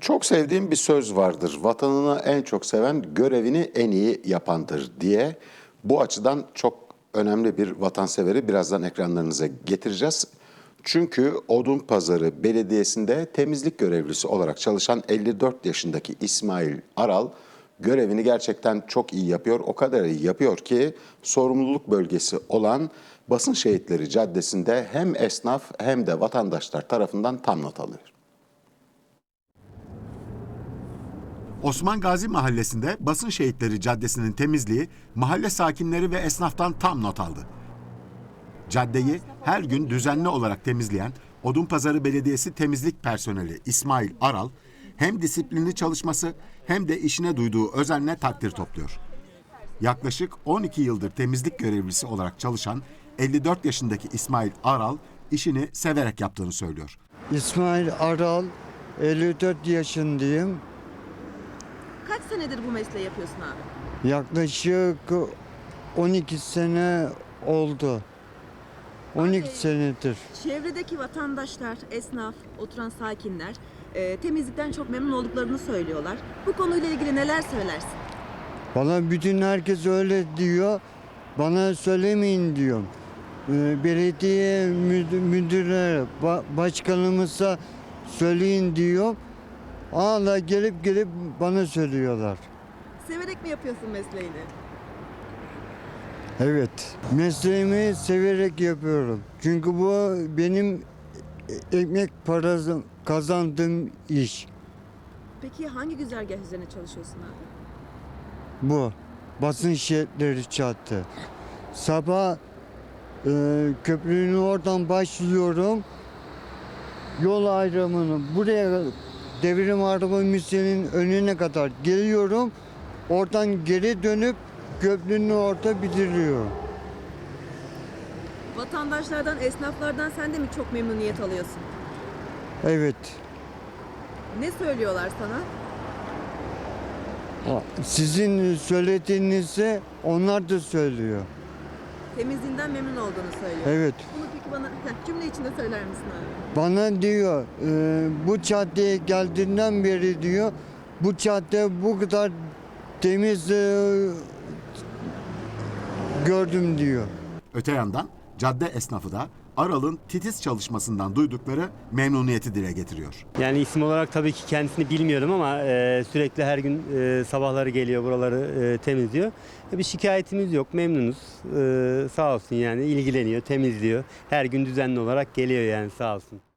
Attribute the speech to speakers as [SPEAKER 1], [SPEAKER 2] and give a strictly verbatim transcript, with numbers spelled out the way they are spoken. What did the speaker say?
[SPEAKER 1] Çok sevdiğim bir söz vardır. Vatanını en çok seven görevini en iyi yapandır diye. Bu açıdan çok önemli bir vatanseveri birazdan ekranlarınıza getireceğiz. Çünkü Odunpazarı Belediyesi'nde temizlik görevlisi olarak çalışan elli dört yaşındaki İsmail Aral görevini gerçekten çok iyi yapıyor. O kadar iyi yapıyor ki sorumluluk bölgesi olan Basın Şehitleri Caddesi'nde hem esnaf hem de vatandaşlar tarafından tam not alıyor. Osman Gazi Mahallesi'nde Basın Şehitleri Caddesi'nin temizliği mahalle sakinleri ve esnaftan tam not aldı. Caddeyi her gün düzenli olarak temizleyen Odunpazarı Belediyesi temizlik personeli İsmail Aral hem disiplinli çalışması hem de işine duyduğu özenle takdir topluyor. Yaklaşık on iki yıldır temizlik görevlisi olarak çalışan elli dört yaşındaki İsmail Aral işini severek yaptığını söylüyor.
[SPEAKER 2] İsmail Aral, elli dört yaşındayım.
[SPEAKER 3] Kaç senedir bu mesleği yapıyorsun abi?
[SPEAKER 2] Yaklaşık on iki sene oldu. on iki
[SPEAKER 3] Abi,
[SPEAKER 2] senedir.
[SPEAKER 3] Çevredeki vatandaşlar, esnaf, oturan sakinler e, temizlikten çok memnun olduklarını söylüyorlar. Bu konuyla ilgili neler söylersin?
[SPEAKER 2] Bana bütün herkes öyle diyor. Bana söylemeyin diyorum. Ee, Belediye müdür, müdürlere, ba- başkanımıza söyleyin diyor. Hala gelip gelip bana söylüyorlar.
[SPEAKER 3] Severek mi yapıyorsun mesleğini?
[SPEAKER 2] Evet, mesleğimi severek yapıyorum. Çünkü bu benim ekmek parası kazandığım iş.
[SPEAKER 3] Peki hangi güzergah üzerine çalışıyorsun abi?
[SPEAKER 2] Bu. Basın şehitleri çattı. Sabah e, köprünün oradan başlıyorum. Yol ayrımını buraya devrim araba müzenin önüne kadar geliyorum. Oradan geri dönüp köprünün orada bitiriyorum.
[SPEAKER 3] Vatandaşlardan, esnaflardan sen de mi çok memnuniyet alıyorsun?
[SPEAKER 2] Evet.
[SPEAKER 3] Ne söylüyorlar sana?
[SPEAKER 2] Sizin söylediğinizi onlar da söylüyor.
[SPEAKER 3] Temizliğinden memnun olduğunu söylüyor.
[SPEAKER 2] Evet.
[SPEAKER 3] Bunu peki bana heh, cümle içinde söyler misin abi?
[SPEAKER 2] Bana diyor e, bu caddeye geldiğinden beri diyor bu cadde bu kadar temiz e, gördüm diyor.
[SPEAKER 1] Öte yandan cadde esnafı da Aral'ın titiz çalışmasından duydukları memnuniyeti dile getiriyor.
[SPEAKER 4] Yani isim olarak tabii ki kendisini bilmiyorum ama e, sürekli her gün e, sabahları geliyor buraları e, temizliyor. E, bir şikayetimiz yok, memnunuz. E, sağ olsun yani ilgileniyor, temizliyor. Her gün düzenli olarak geliyor yani sağ olsun.